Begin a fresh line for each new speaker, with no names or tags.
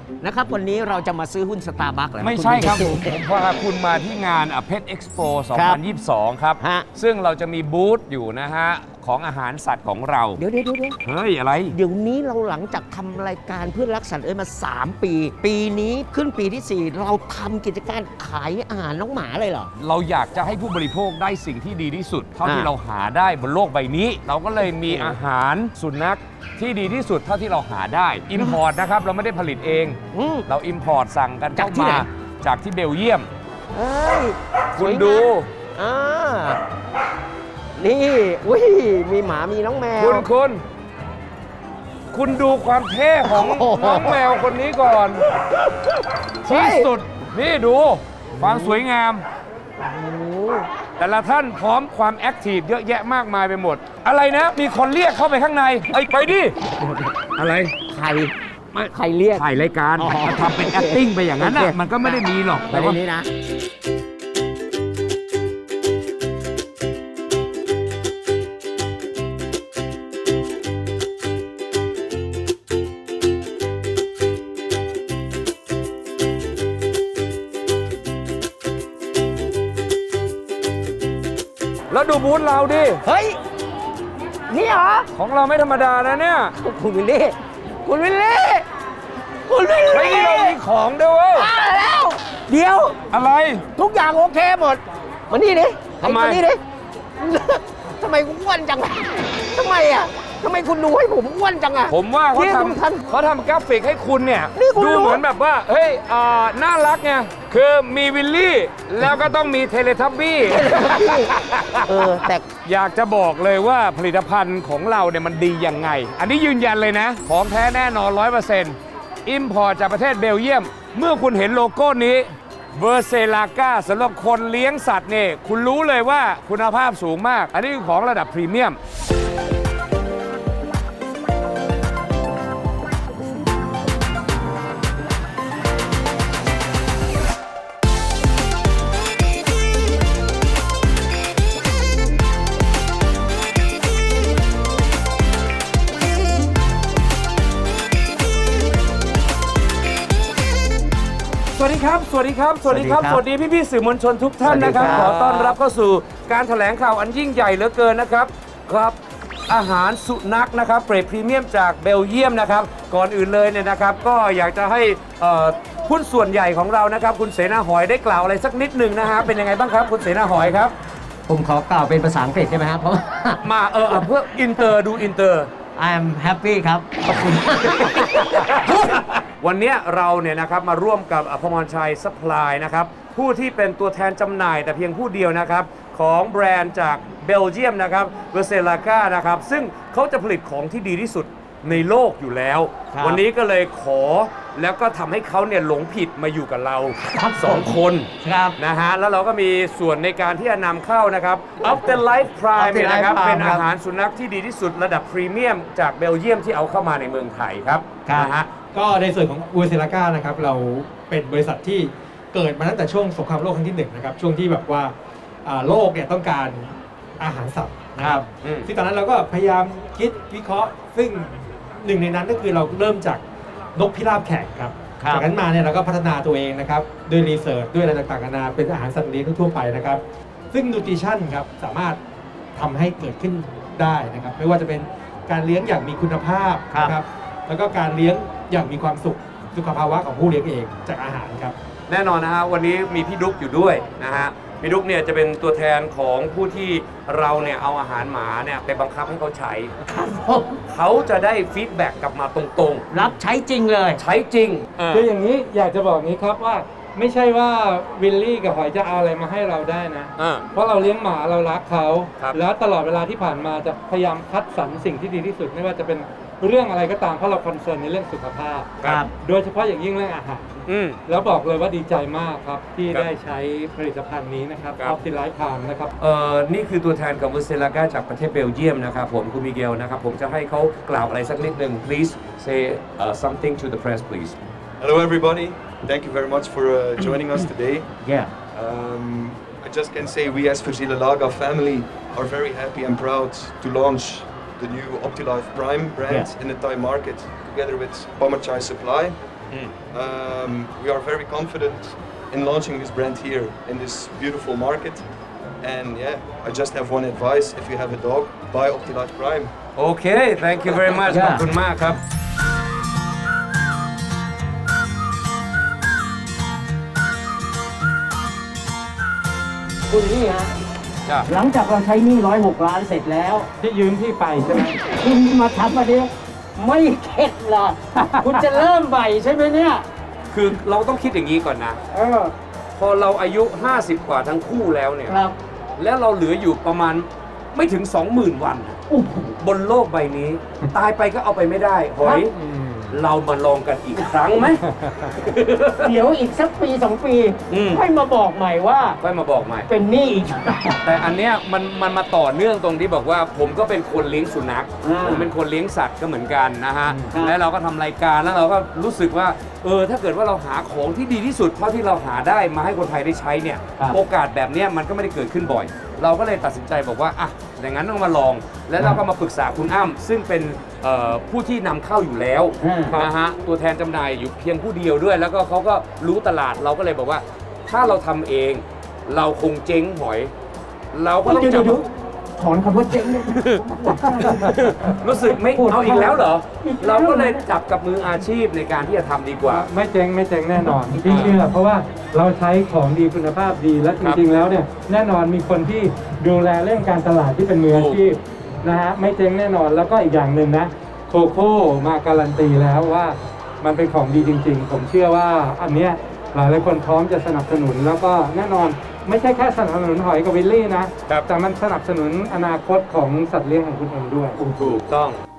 นะครับวันนี้เราจะมาซื้อหุ้น Starbucks เหรอ
ไม่ใช่ครับผมพาคุณมาที่งานเพชรเอ็กซ์โป2022 ครับ
ฮะ
ซึ่งเราจะมีบูธอยู่นะฮะของอาหารสัตว์ของเรา
เดี๋ยว
เฮ้ย อะไร
เดี๋ยวนี้เราหลังจากทำรายการเพื่อนรักสัตว์มา 3 ปี ปีนี้ขึ้นปีที่ 4 เราทำกิจการขายอาหารน้องหมาเลยเหรอ
เราอยากจะให้ผู้บริโภคได้สิ่งที่ดีที่สุด เท่าที่เราหาได้บนโลกใบนี้ เราก็เลยมีอาหารสุนัขที่ดีที่สุดเท่าที่เราหาได้อิมพอร์ตนะครับเราไม่ได้ผลิตเอง เราอิมพอร์ตสั่งกัน
จากที่
เข้า
ไหน
มาจากที่เบลเยียม
เอ้ย
คุณดู
อ่านี่อุ้ยมีหมามีน้องแมว
คุณดูความเท่ของ
โอ้โห
น้องแมวคนนี้ก่อน
เฮ้
ที่
ย
สุดนี่ดูความสวยงาม
โอ้โห
แต่ละท่านพร้อมความแอคทีฟเยอะแยะมากมายไปหมด อะไรนะ มีคนเรียกเข้าไปข้างในไปดิ อะไร
ใครเรียก
ถ่ายรายการ
อ๋อ
ทำเป็น acting ไปอย่างนั้นน่ะ
โอเค
มันก็ไม่ได้มีหรอก
ไป
แต่
ใน
ว่า
นี้นะ
แล้วดูบูธเราดิ
เฮ้ย นี่เหรอ
ของเราไม่ธรรมดานะเนี่ย
คุณวิลลี่ คุณวิลลี่ คุณวิล
เฮ้ย
ลี่
นี่เรามีของด้วยเว้ย
มาแล้ว เดี๋ยว
อะไร
ทุกอย่างโอเคหมด มานี่ดิ
ทำไม
มานี่ดิ ทำไมกูอ้วนจังอะทำไมอ่ะทำไมคุณดูให้ผมอ้วนจังอ่ะ
ผมว่าเขา
นี่คุณทัน
เขาทำกราฟิกให้คุณเนี่ย
นี่คุณ
ดู
รู้
เหมือนแบบว่า เฮ้ยน่ารักไง คือมีวิลลี่ แล้วก็ต้องมีเทเลทับบี้
แต่
อยากจะบอกเลยว่าผลิตภัณฑ์ของเราเนี่ยมันดียังไง อันนี้ยืนยันเลยนะ ของแท้แน่นอน 100%อิมพอร์ตจากประเทศเบลเยียม เมื่อคุณเห็นโลโก้นี้เวอร์เซลาก้าสำหรับคนเลี้ยงสัตว์เนี่ยคุณรู้เลยว่าคุณภาพสูงมาก อันนี้คือของระดับพรีเมียม สวัสดีครับ สวัสดีครับ สวัสดีครับ สวัสดีพี่ๆสื่อมวลชนทุกท่านนะครับ ขอต้อนรับเข้าสู่การแถลงข่าวอันยิ่งใหญ่เหลือเกินนะครับ ครับอาหารสุนัขนะครับเกรดพรีเมียมจากเบลเยียมนะครับ ก่อนอื่นเลยเนี่ยนะครับ ก็อยากจะให้หุ้นส่วนใหญ่ของเรานะครับ คุณเสนาหอยได้กล่าวอะไรสักนิดหนึ่งนะฮะ เป็นยังไงบ้างครับ คุณเสนาหอยครับ
ผมขอกล่าวเป็นภาษาอังกฤษได้ไหมครับเพราะว่า
มาเพื่ออินเตอร์ดูอินเตอร์
I'm happy ครับ ขอบคุณ
วันนี้เราเนี่ยนะครับมาร่วมกับพมรชัยซัพพลายนะครับผู้ที่เป็นตัวแทนจำหน่ายแต่เพียงผู้เดียวนะครับของแบรนด์จากเบลเยียมนะครับเวอร์เซลาก้านะครับซึ่งเขาจะผลิตของที่ดีที่สุดในโลกอยู่แล้ว
ครับ
วันนี้ก็เลยขอแล้วก็ทำให้เขาเนี่ยหลงผิดมาอยู่กับเราสองคน
ครับ
นะฮะแล้วเราก็มีส่วนในการที่จะนำเข้านะครับ Afterlife Prime เนี่ยนะครับ
Afterlife Prime
เป็นอาหารสุนัขที่ดีที่สุดระดับพรีเมียมจากเบลเยียมที่เอาเข้ามาในเมืองไทยครับ
ครับ
นะฮะ
ก็ในส่วนของอูเซลาก้านะครับเราเป็นบริษัทที่เกิดมาตั้งแต่ช่วงสงครามโลกครั้งที่1นะครับช่วงที่แบบว่าโลกเนี่ยต้องการอาหารสัตว์นะครับ
อืม
ซึ่งตอนนั้นเราก็พยายามคิดวิเคราะห์ ซึ่งหนึ่งในนั้นก็คือเราเริ่มจากนกพิราบแขกครับ
ครับ
จากนั้นมาเนี่ยเราก็พัฒนาตัวเองนะครับด้วยรีเสิร์ชด้วยอะไรต่างๆนานาเป็นอาหารสัตว์เลี้ยงทั่วๆไปนะครับซึ่งนูทริชั่นครับสามารถทำให้เกิดขึ้นได้นะครับไม่ว่าจะเป็นการเลี้ยงอย่างมีคุณภาพนะครับ แล้วก็การเลี้ยงอย่างมีความสุขสุขภาวะของผู้เลี้ยงเองจากอาหารครับ
แน่นอนนะฮะวันนี้มีพี่ดุ๊กอยู่ด้วยนะฮะพี่ดุ๊กเนี่ยจะเป็นตัวแทนของผู้ที่เราเนี่ยเอาอาหารหมาเนี่ยไปบังคับให้เขาใช้
ครับผม
เขาจะได้ฟีดแบ็กกลับมาตรง
รับใช้จริงเลย
ๆ ใช้จริง
คืออย่างนี้อยากจะบอกงี้ครับว่าไม่ใช่ว่าวิลลี่กับหอยจะเอาอะไรมาให้เราได้นะ เพราะเราเลี้ยงหมาเรารักเขา
ครับ
แล้วตลอดเวลาที่ผ่านมาจะพยายามคัดสรรสิ่งที่ดีที่สุดไม่ว่าจะเป็นเรื่องอะไรก็ตามเพราะเราคอนเซิร์นในเรื่องสุขภาพ
ครับ
โดยเฉพาะอย่างยิ่งเรื่องอาหาร
อืม
แล้วบอกเลยว่าดีใจมากครับที่
ครับ
ได้ใช้ผลิตภัณฑ์นี้นะครับ
ครับ
Afterlife Prime นะครับ
นี่คือตัวแทนของเวอร์เซลาก้าจากประเทศเบลเยียมนะครับผมคุณมิเกลนะครับผมจะให้เขากล่าวอะไรสักนิดหนึ่ง please say something to the press please
Hello, everybody. Thank you very much for joining us today.
yeah
I just can say we as Versilalaga family are very happy and proud to launch the new OptiLife Prime brand
Yeah.
in the Thai market together with Pamachai Supply. We are very confident in launching this brand here in this beautiful market. And yeah, I just have one advice: if you have a dog, buy Optilat Prime.
โอเค thank you very much ขอบคุณมากครับ
คุณนี่ฮะ
จ้ะ
หลังจากเราใช้หนี้106 ล้านเสร็จแล้ว
ที่ยืมพี่ไปใช่ไหม
คุณมาทำอันนี้ไม่เข็ดเหรอ คุณจะเริ่มใหม่ใช่ไหมเนี่ย
คือเราต้องคิดอย่างนี้ก่อนนะ พอเราอายุ 50 กว่าทั้งคู่แล้วเนี่ย
ครับ
แล้วเราเหลืออยู่ประมาณไม่ถึง 20,000 วันอะ
โอ้โห
บนโลกใบนี้ ตายไปก็เอาไปไม่ได้หอย เรามาลองกันอีกครั้งไหม
เดี๋ยวอีกสักปี 2 ปี
อืม
ค่อยมาบอกใหม่ว่า
ค่อยมาบอกใหม่
เป็นหนี้อีก
แต่อันเนี้ยมันมาต่อเนื่องตรงที่บอกว่าผมก็เป็นคนเลี้ยงสุนัข ผมเป็นคนเลี้ยงสัตว์ก็เหมือนกันนะฮะ
ครับ
แล้วเราก็ทำรายการแล้วเราก็รู้สึกว่าถ้าเกิดว่าเราหาของที่ดีที่สุดเท่าที่เราหาได้มาให้คนไทยได้ใช้เนี่ย โอกาสแบบเนี้ยมันก็ไม่ได้เกิดขึ้นบ่อย เราก็เลยตัดสินใจบอกว่าอ่ะอย่างนั้นต้องมาลอง แล้วเราก็มาปรึกษาคุณอ้ำซึ่งเป็นผู้ที่นำเข้าอยู่แล้วนะฮะตัวแทนจำหน่ายอยู่เพียงผู้เดียวด้วย แล้วก็เขาก็รู้ตลาดเราก็เลยบอกว่า ถ้าเราทำเองเราคงเจ๊งหอย เราก็ต้องจับ
ถอนคำว่าเจ๊งเนี่ย
รู้สึกไม่เอาอีกแล้วเหรอ เราก็เลยจับกับมืออาชีพในการที่จะทำดีกว่า
ไม่เจ๊งแน่นอนพี่เชื่อเพราะว่าเราใช้ของดีคุณภาพดีและจริงๆแล้วเนี่ยแน่นอนมีคนที่ดูแลเรื่องการตลาดที่เป็นมืออาชีพนะฮะไม่เจ๊งแน่นอนแล้วก็อีกอย่างหนึ่งนะโคโค่มาการันตีแล้วว่ามันเป็นของดีจริงๆ ผมเชื่อว่าอันเนี้ยหลายคนพร้อมจะสนับสนุนแล้วก็แน่นอนไม่ใช่แค่สนับสนุนหอยกับวิลลี่นะแต่มันสนับสนุนอนาคตของสัตว์เลี้ยงของคุณเองด้วย
ถูกต้อง